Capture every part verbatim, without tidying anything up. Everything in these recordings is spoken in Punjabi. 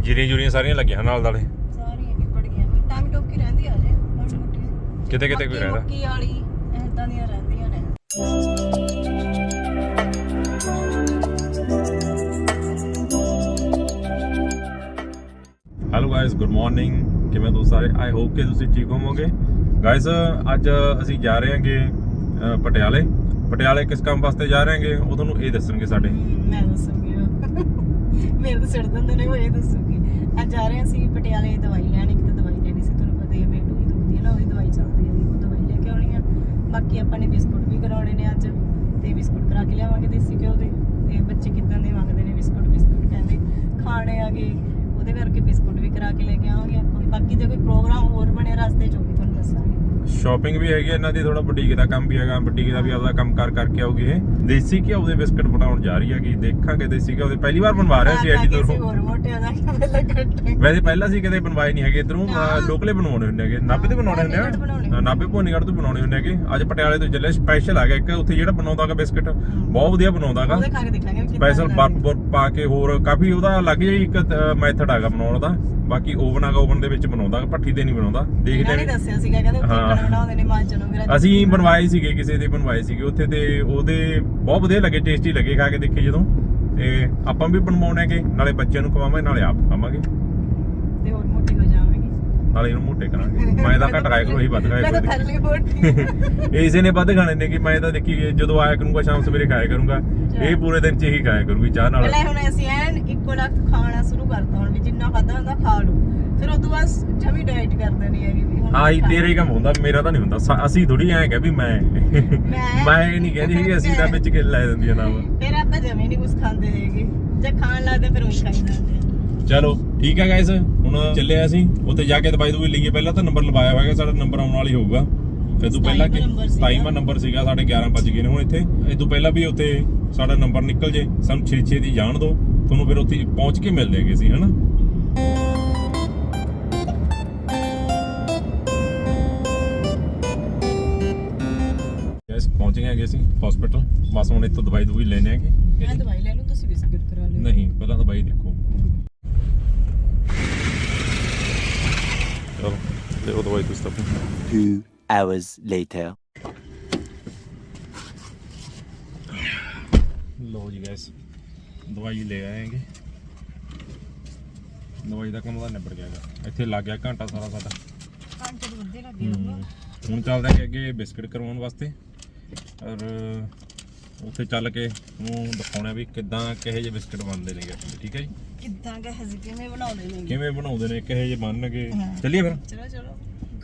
ਜੀਰੀਆਂ ਜੁਰੀਆਂ ਸਾਰੀਆਂ ਲੱਗੀਆਂ ਨਾਲ ਨਾਲੇ ਸਾਰੀਆਂ ਨਿਬੜ ਗਈਆਂ ਟਾਈਮ ਟੋਕੀ ਰਹਿੰਦੀ ਆ ਜੇ ਮੋਟੀ ਮੋਟੀ ਕਿਤੇ ਕਿਤੇ ਕੋਈ ਰਹਿੰਦਾ ਮੱਕੀ ਵਾਲੀ ਐਦਾਂ ਦੀਆਂ ਰਹਿੰਦੀਆਂ ਨੇ। ਹੈਲੋ ਗਾਇਸ ਗੁੱਡ ਮਾਰਨਿੰਗ, ਕਿਵੇਂ ਤੁਸੀਂ ਸਾਰੇ? ਆਈ ਹੋਪ ਕਿ ਤੁਸੀਂ ਠੀਕ ਹੋਵੋਗੇ। ਗਾਇਸ ਅੱਜ ਅਸੀਂ ਜਾ ਰਹੇ ਹਾਂਗੇ ਪਟਿਆਲੇ। ਪਟਿਆਲੇ ਕਿਸ ਕੰਮ ਵਾਸਤੇ ਜਾ ਰਹੇ ਹਾਂਗੇ ਉਹ ਤੁਹਾਨੂੰ ਇਹ ਦੱਸਣਗੇ ਸਾਡੇ। ਮੈਂ ਦੱਸੂਗੀ ਮੇਰੇ ਤੋਂ ਛੱਡ ਦਿੰਦੇ ਨੇ, ਉਹ ਇਹ ਦੱਸੂਗੀ। ਅੱਜ ਜਾ ਰਹੇ ਅਸੀਂ ਪਟਿਆਲੇ ਦਵਾਈ ਲੈਣ। ਇੱਕ ਤਾਂ ਦਵਾਈ ਲੈਣੀ ਸੀ, ਤੁਹਾਨੂੰ ਪਤਾ ਹੀ ਹੈ ਬੇਟੂ ਹੀ ਦੁਖਦੀ ਹੈ ਨਾ, ਉਹਦੀ ਦਵਾਈ ਚੱਲਦੀ ਹੈ, ਉਹ ਦਵਾਈ ਲੈ ਕੇ ਆਉਣੀ ਆ। ਬਾਕੀ ਆਪਾਂ ਨੇ ਬਿਸਕੁਟ ਵੀ ਕਰਾਉਣੇ ਨੇ ਅੱਜ, ਤੇ ਬਿਸਕੁਟ ਕਰਾ ਕੇ ਲਿਆਵਾਂਗੇ ਦੇਸੀ ਘਿਓ ਦੇ। ਤੇ ਬੱਚੇ ਕਿੱਦਾਂ ਦੇ ਮੰਗਦੇ ਨੇ ਬਿਸਕੁਟ, ਬਿਸਕੁਟ ਕਹਿੰਦੇ ਖਾਣੇ ਆਗੇ, ਉਹਦੇ ਕਰਕੇ ਬਿਸਕੁਟ ਵੀ ਕਰਾ ਕੇ ਲੈ ਕੇ ਆਵਾਂਗੇ ਆਪਾਂ। ਬਾਕੀ ਜੇ ਕੋਈ ਪ੍ਰੋਗਰਾਮ ਹੋਰ ਬਣਿਆ ਰਸਤੇ 'ਚ ਉਹ ਵੀ ਤੁਹਾਨੂੰ ਦੱਸਾਂਗੇ। ਸ਼ਾਪਿੰਗ ਵੀ ਹੈਗੀ ਇਹਨਾਂ ਦੀ, ਥੋੜਾ ਬੁਟੀਕ ਦਾ ਕੰਮ ਵੀ ਹੈਗਾ। ਬੁਟੀਕ ਦਾ ਵੀ ਆਪਦਾ ਕੰਮ ਕਰ ਕਰਕੇ ਆਉਗੀ ਇਹ। ਦੇਸੀ ਘਿਓ ਦੇ ਬਿਸਕੁਟ ਬਣਾਉਣ ਜਾ ਰਹੀ ਹੈਗੀ, ਦੇਖਾਂਗੇ। ਦੇਸੀ ਘਿਓ ਦੇ ਪਹਿਲੀ ਵਾਰ ਬਣਵਾ ਰਿਹਾ ਸੀ ਐਡੀ ਦੂਰੋਂ। ਹੋਰ ਮੋਟਿਆਂ ਦਾ ਪਹਿਲਾਂ ਵੈਸੇ ਪਹਿਲਾਂ ਸੀ ਕਦੇ ਬਣਵਾਏ ਨਹੀਂ ਹੈਗੇ ਇਧਰੋਂ, ਲੋਕਲੇ ਬਣਾਉਣੇ ਹੁੰਦੇ ਹੈਗੇ, ਨਾਭੇ ਤੇ ਬਣਾਉਣੇ ਹੁੰਦੇ ਆ, ਨਾਭੇ ਭੋਨੀਗੜ੍ਹ ਤੋਂ ਬਣਾਉਣੇ ਹੁੰਦੇ ਹੈਗੇ। ਅੱਜ ਪਟਿਆਲੇ ਤੋਂ ਚੱਲੇ, ਸਪੈਸ਼ਲ ਆ ਗਿਆ ਇੱਕ ਉੱਥੇ ਜਿਹੜਾ ਬਣਾਉਂਦਾ ਹੈਗਾ ਬਿਸਕੁਟ, ਬਹੁਤ ਵਧੀਆ ਬਣਾਉਂਦਾ ਹੈਗਾ। ਸਪੈਸ਼ਲ ਬਰਫ ਬਰਫ ਪਾ ਕੇ, ਹੋਰ ਕਾਫੀ ਉਹਦਾ ਲੱਗ ਜਾਈ ਇੱਕ ਮੈਥਡ ਹੈਗਾ ਬਣਾਉਣ ਦਾ। ਬਾਕੀ ਓਵਨ ਹੈਗਾ, ਓਵਨ ਦੇ ਵਿੱਚ ਬਣਾਉਂਦਾ, ਭੱਠੀ ਤੇ ਨਹੀਂ ਬਣਾਉਂਦਾ। ਦੇਖਦੇ ਨੇ ਦੱਸਿਆ ਸੀਗਾ ਕਹਿੰਦੇ ਉੱਥੇ ਬਣਾਉਂਦੇ ਨੇ ਮਾਂਜਣੋਂ ਵੀਰਾ। ਅਸੀਂ ਬਣਵਾਏ ਸੀਗੇ, ਕਿਸੇ ਦੇ ਬਣਵਾਏ ਸੀਗੇ ਉੱਥੇ, ਤੇ ਉਹਦੇ ਬਹੁਤ ਵਧੀਆ ਲੱਗੇ, ਟੇਸਟੀ ਲੱਗੇ ਖਾ ਕੇ ਦੇਖੇ ਜਦੋਂ। ਤੇ ਆਪਾਂ ਵੀ ਬਣਵਾਉਣੇਗੇ, ਨਾਲੇ ਬੱਚਿਆਂ ਨੂੰ ਖਵਾਵਾਂਗੇ, ਨਾਲੇ ਆਪ ਖਾਵਾਂਗੇ, ਤੇ ਹੋਰ ਮੋਟੀ ਹੋ ਜਾਵਾਂਗੇ, ਨਾਲੇ ਇਹਨੂੰ ਮੋਟੇ ਕਰਾਂਗੇ। ਮੈਂ ਤਾਂ ਘੱਟ ਖਾਇਆ ਕਰੂੰ, ਇਹੀ ਵੱਧ ਖਾਇਆ ਕਰੂੰ। ਇਸੇ ਨੇ ਵੱਧ ਖਾਣੇ ਨੇ ਕਿ ਮੈਂ ਤਾਂ ਦੇਖੀ ਜਦੋਂ ਆਇਆ ਕਰੂੰਗਾ ਸ਼ਾਮ ਸਵੇਰੇ ਖਾਇਆ ਕਰੂੰਗਾ, ਇਹ ਪੂਰੇ ਦਿਨ ਚ ਹੀ ਖਾਇਆ ਕਰੂਗੀ ਚਾਹ ਨਾਲ। ਪਹਿਲਾਂ ਹੁਣ ਅਸੀਂ ਐਨ ਇੱਕੋ ਲੱਖ ਖਾਣਾ ਸ਼ੁਰੂ ਕਰਤਾ, ਹੁਣ ਵੀ ਜਿੰਨਾ ਖਾਦਾ ਹੁੰਦਾ ਖਾ ਲਓ, ਫਿਰ ਉਦੋਂ ਬਾਅਦ ਜਮੀ ਡਾਈਟ ਕਰਦੇ ਨਹੀਂ ਹੈਗੀ ਵੀ ਹੁਣ। ਆਹੀ ਤੇਰੇ ਕੰਮ ਹੁੰਦਾ, ਮੇਰਾ ਤਾਂ ਨਹੀਂ ਹੁੰਦਾ। ਅਸੀਂ ਥੋੜੀ ਐਂ ਕਹਿ ਵੀ ਮੈਂ ਮੈਂ ਇਹ ਨਹੀਂ ਕਹਿੰਦੀ ਕਿ ਅਸੀਂ ਤਾਂ ਵਿੱਚ ਕਿ ਲੈ ਦਿੰਦੀਆਂ ਨਾ। ਫਿਰ ਆਪਾਂ ਜਮੀ ਨਹੀਂ ਕੁਝ ਖਾਂਦੇ ਹੈਗੇ, ਜੇ ਖਾਣ ਲੱਗਦੇ ਫਿਰ ਉਹੀ ਖਾਈ ਜਾਂਦੇ। ਚਲੋ ਠੀਕ ਹੈ ਗਾਇਸ, ਹੁਣ ਚੱਲੇ ਅਸੀਂ ਉੱਥੇ ਜਾ ਕੇ ਦਵਾਈ ਦਵਾਈ ਲਈਏ। ਪਹਿਲਾਂ ਤਾਂ ਨੰਬਰ ਲਵਾਇਆ ਹੋਇਆ, ਸਾਡਾ ਨੰਬਰ ਆਉਣ ਵਾਲੀ ਹੋਊਗਾ। ਇਹ ਤੋਂ ਪਹਿਲਾਂ ਕਿ ਸਤਾਈਵਾਂ ਨੰਬਰ ਸੀਗਾ, ਸਾਡੇ ਗਿਆਰਾਂ ਵੱਜ ਗਏ ਨੇ ਹੁਣ ਇੱਥੇ। ਇਹ ਤੋਂ ਪਹਿਲਾਂ ਵੀ ਉੱਥੇ ਸਾਡਾ ਨੰਬਰ ਨਿਕਲ ਜੇ, ਸਾਨੂੰ ਛੇ ਛੇ ਦੀ ਜਾਣ ਦਿਓ, ਤੁਹਾਨੂੰ ਫਿਰ ਉੱਥੇ ਪਹੁੰਚ ਕੇ ਮਿਲ ਜਾਏਗੇ ਅਸੀਂ, ਹਨਾ। ਗਾਇਸ ਪਹੁੰਚ ਗਏ ਹੈਗੇ ਅਸੀਂ ਹਸਪੀਟਲ, ਬਸ ਹੁਣ ਇੱਥੋਂ ਦਵਾਈ ਦਵਾਈ ਲੈਣੇ ਹੈਗੇ। ਮੈਂ ਦਵਾਈ ਲੈ ਲੂ, ਤੁਸੀਂ ਬਿਸਕੁਟ ਕਰਾ ਲਿਓ। ਨਹੀਂ, ਪਹਿਲਾਂ ਦਵਾਈ ਦੇਖੋ। ਚਲੋ ਦੇਖੋ ਦਵਾਈ ਤੁਸੀਂ ਤਾਂ। Two hours later. ਲੋ ਜੀ ਗਾਇਸ, ਦਵਾਈ ਲੈ ਆਏਗੇ। ਦਵਾਈ ਦਾ ਕੰਮ ਤਾਂ ਨਿਬੜ ਗਿਆ ਹੈਗਾ, ਇੱਥੇ ਲੱਗ ਗਿਆ ਘੰਟਾ ਸਾਰਾ ਸਾਡਾ। ਘੰਟੇ ਤੋਂ ਵੱਧੇ ਲੱਗ ਗਿਆ। ਹੁਣ ਚੱਲਦੇ ਹਾਂ ਅੱਗੇ ਬਿਸਕੁਟ ਕਰਵਾਉਣ ਵਾਸਤੇ, ਔਰ ਉੱਥੇ ਚੱਲ ਕੇ ਉਹਨੂੰ ਦਿਖਾਉਣਾ ਵੀ ਕਿੱਦਾਂ ਕਿਹੋ ਜਿਹੇ ਬਿਸਕੁਟ ਬਣਦੇ ਨੇਗੇ। ਠੀਕ ਹੈ ਜੀ, ਕਿੱਦਾਂ ਕਿ ਹਜ਼ੇ ਕਿਵੇਂ ਬਣਾਉਂਦੇ ਨੇ, ਕਿਵੇਂ ਬਣਾਉਂਦੇ ਨੇ, ਕਿਹੋ ਜਿਹੇ ਬਣਨਗੇ। ਚੱਲੀਏ ਫਿਰ। ਚਲੋ ਚਲੋ।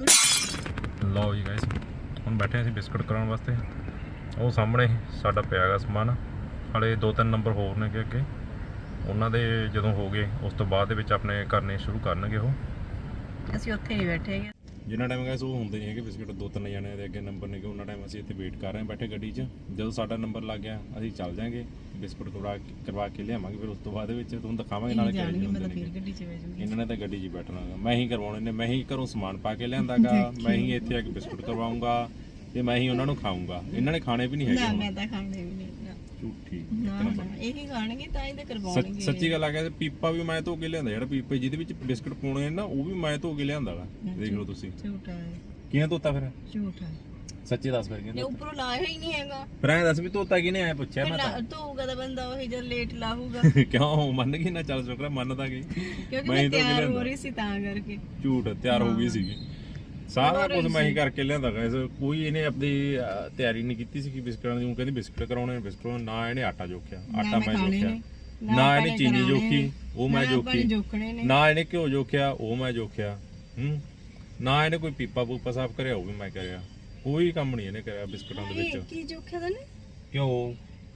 ਲਓ ਜੀ ਗਾਇਸ, ਹੁਣ ਬੈਠੇ ਅਸੀਂ ਬਿਸਕੁਟ ਕਰਾਉਣ ਵਾਸਤੇ। ਉਹ ਸਾਹਮਣੇ ਸਾਡਾ ਪਿਆ ਹੈਗਾ ਸਮਾਨ, ਹਾਲੇ ਦੋ ਤਿੰਨ ਨੰਬਰ ਹੋਰ ਨੇ ਅੱਗੇ। ਉਹਨਾਂ ਦੇ ਜਦੋਂ ਹੋ ਗਏ ਉਸ ਤੋਂ ਬਾਅਦ ਦੇ ਵਿੱਚ ਆਪਣੇ ਕਰਨੇ ਸ਼ੁਰੂ ਕਰਨਗੇ ਉਹ। ਅਸੀਂ ਉੱਥੇ ਨਹੀਂ ਬੈਠੇ ਹੈਗੇ, ਜਿੰਨਾ ਟਾਈਮ ਗਾਇਸ ਉਹ ਹੁੰਦੇ ਨਹੀਂ ਹੈਗੇ ਬਿਸਕੁਟ, ਦੋ ਤਿੰਨ ਜਣਿਆਂ ਦੇ ਅੱਗੇ ਨੰਬਰ ਨੇ, ਉਹਨਾਂ ਟਾਈਮ ਅਸੀਂ ਇੱਥੇ ਵੇਟ ਕਰ ਰਹੇ ਹਾਂ ਬੈਠੇ ਗੱਡੀ 'ਚ। ਜਦੋਂ ਸਾਡਾ ਨੰਬਰ ਲੱਗ ਗਿਆ ਅਸੀਂ ਚੱਲ ਜਾਾਂਗੇ, ਬਿਸਕੁਟ ਕਰਵਾ ਕਰਵਾ ਕੇ ਲਿਆਵਾਂਗੇ। ਫਿਰ ਉਸ ਤੋਂ ਬਾਅਦ ਵਿੱਚ ਤੁਹਾਨੂੰ ਦਿਖਾਵਾਂਗੇ ਨਾਲੇ ਕਿਹੜੇ ਹੁੰਦੇ ਨੇ। ਇਹਨਾਂ ਨੇ ਤਾਂ ਗੱਡੀ 'ਚ ਬੈਠਣਾ ਗਾ, ਮੈਂ ਹੀ ਕਰਵਾਉਣੇ ਨੇ, ਮੈਂ ਹੀ ਘਰੋਂ ਸਮਾਨ ਪਾ ਕੇ ਲਿਆਂਦਾ ਗਾ, ਮੈਂ ਹੀ ਇੱਥੇ ਆ ਕੇ ਬਿਸਕੁਟ ਕਰਵਾਉਂਗਾ ਤੇ ਮੈਂ ਹੀ ਉਹਨਾਂ ਨੂੰ ਖਾਊਂਗਾ। ਇਹਨਾਂ ਨੇ ਖਾਣੇ ਵੀ ਨਹੀਂ ਹੈਗੇ। ਮੈਂ ਤਾਂ ਖਾਣੇ ਵੀ ਨਹੀਂ। ਝੂਠੀ ਇਹੀ ਖਾਣਗੇ ਤਾਂ ਹੀ ਤਾਂ ਕਰਵਾਉਣਗੇ। ਸੱਚੀ ਗੱਲ ਆ ਗਿਆ, ਪੀਪਾ ਵੀ ਮੈਂ ਧੋ ਕੇ ਲਿਆਂਦਾ, ਜਿਹੜਾ ਪੀਪੇ ਜਿਹਦੇ ਵਿੱਚ ਬਿਸਕੁਟ ਪਾਉਣੇ ਨੇ ਨਾ, ਉਹ ਵੀ ਮੈਂ ਧੋ ਕੇ ਲਿਆਂਦਾ ਵਾ। ਦੇਖ ਲਓ ਤੁਸੀਂ। ਝੂਠਾ ਹੈ। ਕਿਹਨੇ ਧੋਤਾ ਫਿਰ? ਝੂਠਾ। ਸੱਚੀ ਦੱਸ ਫਿਰ ਕਿਹਨੇ? ਉੱਪਰੋਂ ਲਾਇਆ ਹੀ ਨਹੀਂ ਹੈਗਾ। ਫਿਰ ਐਂ ਦੱਸ ਵੀ ਧੋਤਾ ਕਿਹਨੇ? ਐ ਪੁੱਛਿਆ ਮੈਂ ਤਾਂ। ਧੋਊਗਾ ਤਾਂ ਬੰਦਾ ਉਹੀ ਜਦ ਲੇਟ ਲਾਹੂਗਾ। ਕਿਉਂ ਮੰਨ ਗਈ ਨਾ? ਚੱਲ ਸ਼ੁਕਰ ਮੰਨਦਾ ਗਈ, ਕਿਉਂਕਿ ਮੈਂ ਤਿਆਰ ਹੋ ਰਹੀ ਸੀ ਤਾਂ ਕਰਕੇ। ਝੂਠ, ਤਿਆਰ ਹੋ ਗਈ ਸੀਗੀ, ਸਾਰਾ ਕੁਝ ਮੈਂ ਹੀ ਕਰਕੇ ਲਿਆਂਦਾ ਗਾਇਸ। ਕੋਈ ਇਹਨੇ ਆਪਣੀ ਤਿਆਰੀ ਨਹੀਂ ਕੀਤੀ ਸੀ ਕਿ ਬਿਸਕੁਟਾਂ ਦੀ। ਉਹ ਕਹਿੰਦੀ ਬਿਸਕੁਟ ਕਰਾਉਣੇ ਨੇ, ਬਿਸਕੁਟ ਨਾ ਇਹਨੇ ਆਟਾ ਜੋਖਿਆ, ਆਟਾ ਮੈਂ ਜੋਖਿਆ, ਨਾ ਇਹਨੇ ਚੀਨੀ ਜੋਖੀ, ਉਹ ਮੈਂ ਜੋਖੀ, ਨਾ ਇਹਨੇ ਘਿਓ ਜੋਖਿਆ, ਉਹ ਮੈਂ ਜੋਖਿਆ, ਹੂੰ ਨਾ ਇਹਨੇ ਕੋਈ ਪੀਪਾ ਪੂਪਾ ਸਾਫ਼ ਕਰਿਆ, ਉਹ ਵੀ ਮੈਂ ਕਰਿਆ। ਕੋਈ ਕੰਮ ਨਹੀਂ ਇਹਨੇ ਕਰਿਆ ਬਿਸਕੁਟਾਂ ਦੇ ਵਿੱਚ। ਕੀ ਜੋਖਿਆ ਤੈਨੇ? ਘਿਓ,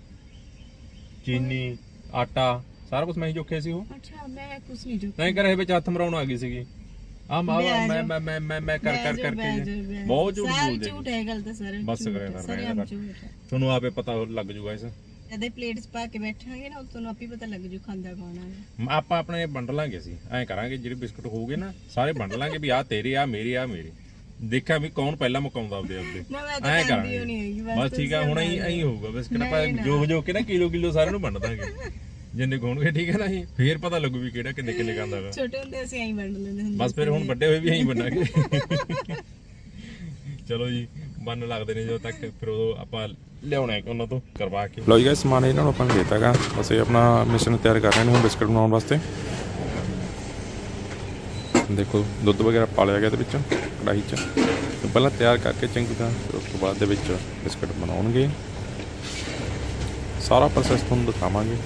ਚੀਨੀ, ਆਟਾ, ਸਾਰਾ ਕੁਝ ਮੈਂ ਹੀ ਜੋਖਿਆ ਸੀ। ਉਹ ਅੱਛਾ, ਮੈਂ ਕੁਝ ਨਹੀਂ ਜੋਖਿਆ। ਨਹੀਂ ਕਰੇ ਵਿੱਚ ਹੱਥ ਮਰਾਉਣ ਆ ਗਈ ਸੀਗੀ। ਆ ਮੈਂ ਮੈਂ ਮੈਂ ਮੈਂ ਮੈਂ ਕਰ ਕਰ ਕਰਕੇ ਬਹੁਤ ਝੂਠ ਬੋਲਦੇ। ਝੂਠ ਹੈ ਗੱਲ ਤਾਂ ਸਾਰੇ। ਬਸ ਕਰਿਆ ਕਰ, ਤੁਹਾਨੂੰ ਆਪੇ ਪਤਾ ਲੱਗ ਜੂਗਾ। ਇਸ ਜਦੇ ਪਲੇਟ 'ਚ ਪਾ ਕੇ ਬੈਠਾਂਗੇ ਨਾ, ਤੁਹਾਨੂੰ ਆਪੇ ਪਤਾ ਲੱਗ ਜੂ ਖਾਂਦਾ ਕੌਣ ਆ। ਆਪਾਂ ਆਪਣੇ ਵੰਡ ਲਾਂਗੇ, ਅਸੀਂ ਐਂ ਕਰਾਂਗੇ ਜਿਹੜੇ ਬਿਸਕੁਟ ਹੋਊਗੇ ਨਾ ਸਾਰੇ ਵੰਡ ਲਾਂਗੇ ਵੀ ਆਹ ਤੇਰੇ, ਆ ਮੇਰੇ, ਆ ਮੇਰੇ। ਦੇਖਿਆ ਵੀ ਕੌਣ ਪਹਿਲਾਂ ਮੁਕਾਉਂਦਾ ਆਪਦੇ ਆਪਦੇ। ਐਂ ਕਰਾਂਗੇ ਬਸ, ਠੀਕ ਆ। ਹੁਣ ਐਂ ਐਂ ਹੋਊਗਾ ਬਿਸਕੁਟ ਆਪਾਂ ਜੋ ਜੋ ਕੇ ਨਾ ਕਿਲੋ ਕਿਲੋ ਸਾਰਿਆਂ ਨੂੰ ਵੰਡ ਦਾਂਗੇ। ਜਿੰਨੇ ਹੋਣਗੇ ਠੀਕ ਹੈ ਨਾ ਜੀ, ਫੇਰ ਪਤਾ ਲੱਗੂ ਵੀ ਕਿਹੜਾ ਕਿੰਨੇ ਕਿੰਨੇ ਖਾਂਦਾ ਵਾ। ਛੋਟੇ ਹੁੰਦੇ ਅਸੀਂ ਐਂ ਵੰਡ ਲੈਂਦੇ ਹੁੰਦੇ ਬਸ ਫਿਰ ਹੁਣ ਵੱਡੇ ਹੋਏ ਵੀ ਐਂ ਬਣਾਂਗੇ। ਚਲੋ ਜੀ ਬੰਨ ਲੱਗਦੇ ਨੇ ਜਦੋਂ ਤੱਕ, ਫਿਰ ਉਦੋਂ ਆਪਾਂ ਲਿਆਉਣਾ ਹੈ ਉਹਨਾਂ ਤੋਂ ਕਰਵਾ ਕੇ। ਲਓ ਜੀ ਗਾਇਸ ਸਮਾਨ ਇਹਨਾਂ ਨੂੰ ਆਪਾਂ ਨੇ ਦੇਤਾ ਗਾ, ਅਸੀਂ ਆਪਣਾ ਮਿਸ਼ਨ ਤਿਆਰ ਕਰ ਰਹੇ ਨੇ ਹੁਣ ਬਿਸਕਟ ਬਣਾਉਣ ਵਾਸਤੇ। ਦੇਖੋ ਦੁੱਧ ਵਗੈਰਾ ਪਾ ਲਿਆ ਗਿਆ ਇਹਦੇ ਵਿੱਚ ਕੜਾਹੀ 'ਚ, ਤੇ ਪਹਿਲਾਂ ਤਿਆਰ ਕਰਕੇ ਚੰਗੀ ਤਰ੍ਹਾਂ, ਫਿਰ ਉਸ ਤੋਂ ਬਾਅਦ ਦੇ ਵਿੱਚ ਬਿਸਕਟ ਬਣਾਉਣਗੇ। ਸਾਰਾ ਪ੍ਰੋਸੈਸ ਤੁਹਾਨੂੰ ਦਿਖਾਵਾਂਗੇ।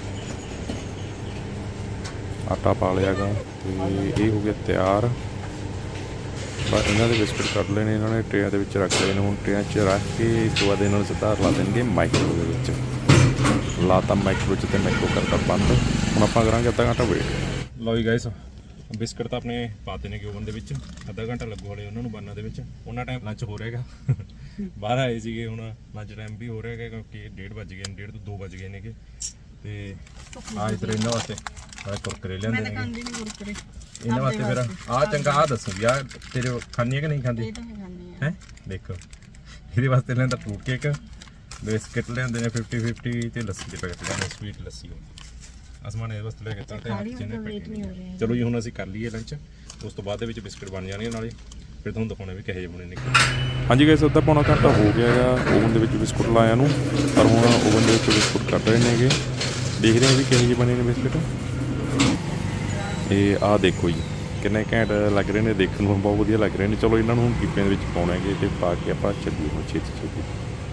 ਆਟਾ ਪਾ ਲਿਆ ਗਾ ਤੇ ਇਹ ਹੋ ਗਿਆ ਤਿਆਰ। ਬਸ ਇਹਨਾਂ ਦੇ ਬਿਸਕਟ ਕੱਢ ਲੈਣੇ ਇਹਨਾਂ ਨੇ, ਟਰੇਆਂ ਦੇ ਵਿੱਚ ਰੱਖ ਲਏ ਨੇ। ਹੁਣ ਟਰੇਆਂ 'ਚ ਰੱਖ ਕੇ ਇਸ ਤੋਂ ਬਾਅਦ ਇਹਨਾਂ ਨੂੰ ਸਿੱਧਾ ਲਾ ਦੇਣਗੇ ਮਾਈਕਰੋ ਦੇ ਵਿੱਚ। ਲਾਤਾ ਮਾਈਕਰੋ 'ਚ ਤੇ ਮਾਈਕਰੋ ਕਰਤਾ ਬੰਦ। ਹੁਣ ਆਪਾਂ ਕਰਾਂਗੇ ਅੱਧਾ ਘੰਟਾ ਵੇਟ। ਲਓ ਜੀ ਗਾਇਸ ਬਿਸਕਟ ਤਾਂ ਆਪਣੇ ਪਾਤੇ ਨੇ ਓਵਨ ਦੇ ਵਿੱਚ, ਅੱਧਾ ਘੰਟਾ ਲੱਗੂ ਹਲੇ ਉਹਨਾਂ ਨੂੰ ਬਣਨ ਦੇ ਵਿੱਚ। ਉਹਨਾਂ ਟਾਈਮ ਲੰਚ ਹੋ ਰਿਹਾਗਾ, ਬਾਹਰ ਆਏ ਸੀਗੇ, ਹੁਣ ਲੰਚ ਟਾਈਮ ਵੀ ਹੋ ਰਿਹਾਗਾ ਕਿਉਂਕਿ ਡੇਢ ਵੱਜ ਗਏ ਨੇ, ਡੇਢ ਤੋਂ ਦੋ ਵੱਜ ਗਏ ਨੇਗੇ। ਤੇ ਆ ਇਧਰ ਇਹਨਾਂ ਵਾਸਤੇ ਆ ਕੁਰਕਰੇ ਲਿਆਂਦੇ ਮੈਂ ਤਾਂ ਨੇ ਖਾਂਦੀ ਨਹੀਂ ਕੁਰਕਰੇ। ਇਹਨਾਂ ਵਾਸਤੇ। ਫਿਰ ਆ ਚੰਗਾ ਆ ਦੱਸੋ ਯਾਰ, ਤੇਰੇ ਖਾਣੀ ਹੈ ਕਿ ਨਹੀਂ ਖਾਂਦੀ ਇਹ ਤਾਂ ਮੈਂ ਖਾਂਦੀ ਆ। ਹੈ? ਦੇਖੋ ਇਹਦੇ ਵਾਸਤੇ ਲੈਂਦਾ ਫਰੂਟ ਕੇਕ, ਬਿਸਕਟ ਲਿਆਂਦੇ ਨੇ ਫਿਫਟੀ ਫਿਫਟੀ, ਤੇ ਲੱਸੀ ਦੇ ਪੈਕਟ ਲਿਆਂਦੇ ਸਵੀਟ ਲੱਸੀ। ਅਸਮਾਨ ਇਹਦੇ ਵਾਸਤੇ ਲੈ ਕੇ ਤਾਂ ਜਿਹਨੇ ਵੇਟ ਨਹੀਂ ਹੋ ਰਿਹਾ। ਚਲੋ ਜੀ ਹੁਣ ਅਸੀਂ ਕਰ ਲਈਏ ਲੰਚ, ਉਸ ਤੋਂ ਬਾਅਦ ਦੇ ਵਿੱਚ ਬਿਸਕਟ ਬਣ ਜਾਣਗੇ ਨਾਲੇ, ਫਿਰ ਤੁਹਾਨੂੰ ਦਿਖਾਉਣੇ ਵੀ ਕਿਹੋ ਜਿਹੇ ਬਣੇ ਨੇ। ਹਾਂਜੀ ਗਾਇਸ ਅੱਧਾ ਪੌਣਾ ਘੰਟਾ ਹੋ ਗਿਆ ਹੈਗਾ ਓਵਨ ਦੇ ਵਿੱਚ ਬਿਸਕੁਟ ਲਾਇਆ ਨੂੰ, ਪਰ ਹੁਣ ਓਵਨ ਦੇ ਵਿੱਚ ਬਿਸਕੁਟ ਕੱਢ ਰਹੇ ਨੇਗੇ। ਦੇਖ ਰਹੇ ਹਾਂ ਵੀ ਕਿਹੋ ਜਿਹੇ ਬਣੇ ਨੇ ਬਿਸਕੁਟ। ਇਹ ਆਹ ਦੇਖੋ ਜੀ ਕਿੰਨੇ ਘੈਂਟ ਲੱਗ ਰਹੇ ਨੇ, ਦੇਖਣ ਨੂੰ ਬਹੁਤ ਵਧੀਆ ਲੱਗ ਰਹੇ ਨੇ। ਚਲੋ ਇਹਨਾਂ ਨੂੰ ਹੁਣ ਕੀਪਿਆਂ ਦੇ ਵਿੱਚ ਪਾਉਣਾ ਹੈਗੇ ਤੇ ਪਾ ਕੇ ਆਪਾਂ ਚੱਲੀਏ ਹੁਣ ਛੇਤੀ ਛੇਤੀ।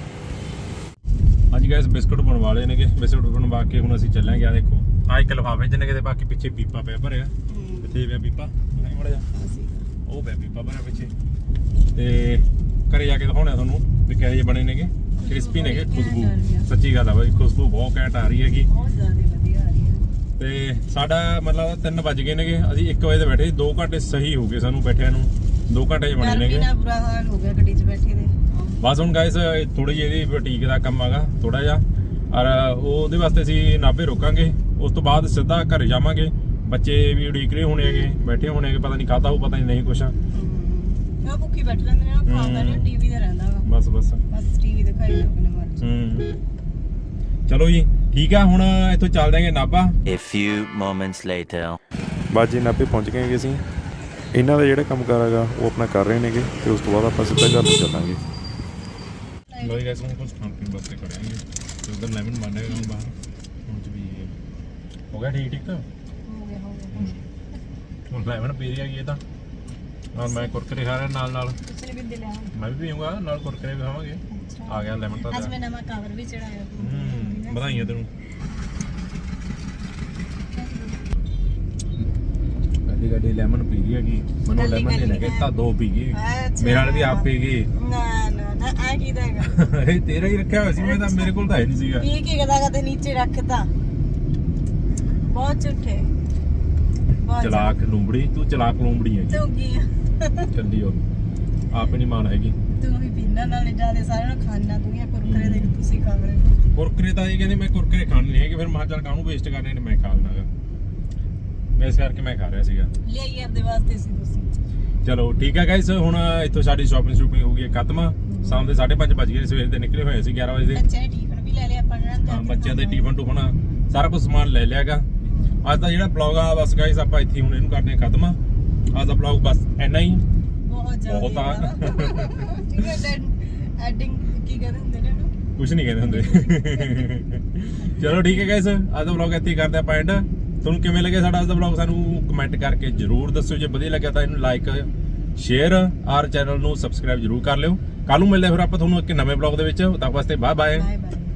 ਹਾਂਜੀ ਗਾਇਸ ਬਿਸਕੁਟ ਬਣਵਾ ਲਏ ਨੇਗੇ, ਬਿਸਕੁਟ ਬਣਵਾ ਕੇ ਹੁਣ ਅਸੀਂ ਚੱਲਾਂਗੇ। ਆ ਦੇਖੋ ਆ ਇੱਕ ਲਿਫਾਫੇ ਚ ਨੇ ਕਿਤੇ, ਬਾਕੀ ਪਿੱਛੇ ਪੀਪਾ ਪਿਆ ਭਰਿਆ। ਕਿੱਥੇ ਪਿਆ ਪੀਪਾ? ਨਹੀਂ ਮੜਾ ਜਾ, ਉਹ ਪਿਆ ਪੀਪਾ ਭਰਿਆ ਪਿੱਛੇ। ਤੇ ਘਰੇ ਜਾ ਕੇ ਦਿਖਾਉਣਾ ਤੁਹਾਨੂੰ ਵੀ ਕਿਹੋ ਜਿਹੇ ਬਣੇ ਨੇਗੇ। ਕ੍ਰਿਸਪੀ ਨੇਗੇ, ਖੁਸ਼ਬੂ ਸੱਚੀ ਗੱਲ ਆ ਬਾਈ, ਖੁਸ਼ਬੂ ਬਹੁਤ ਘੈਂਟ ਆ ਰਹੀ ਹੈਗੀ। ਬਹੁਤ ਜ਼ਿਆਦਾ ਵਧੀਆ ਆ ਰਹੀ ਹੈ। ਤੇ ਸਾਡਾ ਮਤਲਬ ਤਿੰਨ ਵੱਜ ਗਏ ਨੇਗੇ, ਅਸੀਂ ਇੱਕ ਵਜੇ ਤੇ ਬੈਠੇ, ਦੋ ਘੰਟੇ ਸਹੀ ਹੋ ਗਏ ਸਾਨੂੰ ਬੈਠਿਆਂ ਨੂੰ, ਦੋ ਘੰਟੇ ਚ ਬਣੇ ਗਰਮੀ ਨੇਗੇ। ਨਾਲ ਬੁਰਾ ਹਾਲ ਹੋ ਗਿਆ ਗੱਡੀ 'ਚ ਬੈਠੇ ਦੇ। ਬਸ ਹੁਣ ਗਾਇਸ ਥੋੜੀ ਜਿਹੀ ਇਹਦੀ ਬੁਟੀਕ ਦਾ ਕੰਮ ਆਗਾ ਥੋੜਾ ਜਿਹਾ, ਔਰ ਉਹਦੇ ਵਾਸਤੇ ਅਸੀਂ ਨਾਭੇ ਰੋਕਾਂਗੇ। ਉਸ ਤੋਂ ਬਾਅਦ ਸਿੱਧਾ ਘਰੇ ਜਾਵਾਂਗੇ। ਬੱਚੇ ਵੀ ਉਡੀਕ ਰਹੇ ਹੋਣੇ ਹੈਗੇ, ਬੈਠੇ ਹੋਣੇ ਹੈਗੇ, ਪਤਾ ਨਹੀਂ ਖਾਧਾ ਹੋਊ, ਪਤਾ ਨਹੀਂ ਨਹੀਂ ਕੁਛ। ਉਹ ਭੁੱਖੀ ਬੈਠ ਲੈਂਦੇ ਨੇ, ਉਹ ਖਾਂਦਾ ਨਹੀਂ, ਟੀਵੀ ਤੇ ਰਹਿੰਦਾ ਵਾ। ਬਸ ਬਸ ਬਸ ਟੀਵੀ ਦਿਖਾਈ ਲੋਕ ਨੇ ਮਰਜ਼ੀ। ਹੂੰ ਚਲੋ ਜੀ ਠੀਕ ਆ, ਹੁਣ ਇੱਥੋਂ ਚੱਲ ਜਾਵਾਂਗੇ Nabha. A few moments later. ਬਸ ਜੀ ਨਾਭੇ ਪਹੁੰਚ ਗਏ ਹੈਗੇ ਅਸੀਂ। ਇਹਨਾਂ ਦਾ ਜਿਹੜਾ ਕੰਮ ਕਾਰ ਹੈਗਾ ਉਹ ਆਪਣਾ ਕਰ ਰਹੇ ਨੇਗੇ, ਤੇ ਉਸ ਤੋਂ ਬਾਅਦ ਆਪਾਂ ਸਿੱਧਾ ਘਰ ਨੂੰ ਚੱਲਾਂਗੇ। ਲੋ ਜੀ ਗਾਇਸ ਹੁਣ ਕੁਝ ਖਾਣ ਪੀਣ ਵਾਸਤੇ ਕਰਾਂਗੇ, ਤੇ ਉਧਰ ਲੈਮਨ ਬਣ ਰਿਹਾ ਹੁਣ ਬਾਹਰ। ਹੁਣ ਚ ਵੀ ਹੋ ਗਿਆ ਠੀਕ ਠੀਕ। ਹੋ ਗਿਆ ਹੋ ਗਿਆ। ਹੁਣ ਲੈਮਨ ਪੀ ਰਹੀ ਹੈਗੀ ਇਹ ਤਾਂ, ਔਰ ਮੈਂ ਕੁਰਕਰੇ ਖਾ ਰਿਹਾ ਨਾਲ ਨਾਲ। ਤੁਸੀਂ ਵੀ ਦੇ ਲਿਆ। ਮੈਂ ਵੀ ਪੀਊਂਗਾ ਨਾਲ, ਕੁਰਕਰੇ ਵੀ ਖਾਵਾਂਗੇ। ਆ ਗਿਆ ਲੈਮਨ ਤਾਂ। ਅੱਜ ਮੈਂ ਨਵਾਂ ਕਵਰ ਵੀ ਚੜਾਇਆ। ਹੂੰ ਵਧਾਈਆਂ ਤੈਨੂੰ। ਗੱਡੀ ਗੱਡੀ ਲੈਮਨ ਪੀ ਰਹੀ ਹੈਗੀ, ਮੈਨੂੰ ਲੈਮਨ ਦੇ ਲੱਗੇ ਤਾਂ ਦੋ ਪੀ ਗਈ, ਮੇਰੇ ਨਾਲ ਵੀ ਆਪ ਪੀ ਗਈ। ਨਾ ਨਾ ਨਾ ਆ ਕੀ ਦਾ ਹੈਗਾ? ਇਹ ਤੇਰਾ ਹੀ ਰੱਖਿਆ ਹੋਇਆ ਸੀ, ਮੈਂ ਤਾਂ ਮੇਰੇ ਕੋਲ ਤਾਂ ਹੈ ਨਹੀਂ ਸੀਗਾ। ਪੀ ਕੇ ਕਦਾ ਕਦੇ ਨੀਚੇ ਰੱਖਤਾ। ਬਹੁਤ ਝੂਠੇ, ਬਹੁਤ ਚਲਾਕ ਲੂੰਬੜੀ, ਤੂੰ ਚਲਾਕ ਲੂੰਬੜੀ ਹੈਗੀ। ਤੂੰ ਕੀ ਆ? ਚੱਲੀ ਉਹ ਆਪ ਨਹੀਂ ਮਾਨ ਹੈਗੀ। ਤੂੰ ਵੀ ਪੀਣਾ ਨਾਲੇ ਜਿਆਦਾ ਸਾਰਿਆਂ ਨੂੰ ਖਾਣਾ, ਤੂੰ ਇਹ ਕੁਰਕਰੇ ਦੇ ਤੁਸੀਂ ਖਾ ਰਹੇ ਹੋ। ਕੁਰਕਰੇ ਤਾਂ ਇਹ ਕਹਿੰਦੇ ਮੈਂ ਕੁਰਕਰੇ ਖਾਣੇ ਨਹੀਂ ਹੈਗੇ, ਫਿਰ ਮੈਂ ਚੱਲ ਕਾਹਨੂੰ ਵੇਸਟ ਕਰਨੇ ਨੇ, ਮੈਂ ਖਾ ਲੈਣਾਗਾ। ਮੈਂ ਇਸ ਕਰਕੇ ਮੈਂ ਖਾ ਰਿਹਾ ਸੀਗਾ। ਲਿਆਈਏ ਆਪਦੇ ਵਾਸਤੇ ਸੀ ਤੁਸੀਂ। ਚਲੋ ਠੀਕ ਹੈ ਗਾਇਸ, ਹੁਣ ਇੱਥੋਂ ਸਾਡੀ ਸ਼ਾਪਿੰਗ ਸ਼ੂਪਿੰਗ ਹੋ ਗਈ ਹੈ ਖਤਮ। ਸ਼ਾਮ ਦੇ ਸਾਢੇ ਪੰਜ ਵੱਜ ਗਏ, ਸਵੇਰ ਦੇ ਨਿਕਲੇ ਹੋਏ ਸੀ ਗਿਆਰਾਂ ਵਜੇ ਦੇ। ਬੱਚਿਆਂ ਦੇ ਟਿਫਨ ਵੀ ਲੈ ਲਿਆ ਆਪਾਂ ਨੇ। ਹਾਂ ਬੱਚਿਆਂ ਦੇ ਟਿਫਨ ਟੁਫਨ ਸਾਰਾ ਕੁਝ ਸਮਾਨ ਲੈ ਲਿਆਗਾ। ਅੱਜ ਦਾ ਜਿਹੜਾ ਬਲੌਗ ਆ ਬਸ ਗਾਇਸ ਆਪਾਂ ਇੱਥੇ ਹੁਣ ਇਹਨੂੰ ਕਰਦੇ ਹਾਂ ਖਤਮ। ਅੱਜ ਦਾ ਬਲੌਗ ਬਸ ਇੰਨਾ ਹੀ ਬਹੁਤ ਜ਼ਿਆਦਾ ਬਹੁਤ ਆ। ਠੀਕ ਹੈ ਐਡਿੰਗ ਕੀ ਕਹਿੰਦੇ ਹੁੰਦੇ ਨੇ ਉਹਨੂੰ? ਕੁਝ ਨਹੀਂ ਕਹਿੰਦੇ ਹੁੰਦੇ। ਚਲੋ ਠੀਕ ਹੈ ਗਾਇਸ, ਅੱਜ ਦਾ ਬਲੌਗ ਇੱਥੇ ਹੀ ਕਰਦੇ ਆਪਾਂ ਐਂਡ। ਤੁਹਾਨੂੰ ਕਿਵੇਂ ਲੱਗਿਆ ਸਾਡਾ ਅੱਜ ਦਾ ਬਲੌਗ ਸਾਨੂੰ ਕਮੈਂਟ ਕਰਕੇ ਜਰੂਰ ਦੱਸਿਓ। ਜੇ ਵਧੀਆ ਲੱਗਿਆ ਤਾਂ ਇਹਨੂੰ ਲਾਈਕ ਸ਼ੇਅਰ ਔਰ ਚੈਨਲ ਨੂੰ ਸਬਸਕ੍ਰਾਈਬ ਜਰੂਰ ਕਰ ਲਿਓ। ਕੱਲ ਨੂੰ ਮਿਲਦੇ ਫਿਰ ਆਪਾਂ ਤੁਹਾਨੂੰ ਇੱਕ ਨਵੇਂ ਬਲੌਗ ਦੇ ਵਿੱਚ। ਤਦ ਤੱਕ ਵਾਸਤੇ ਬਾਏ ਬਾਏ। Bye bye.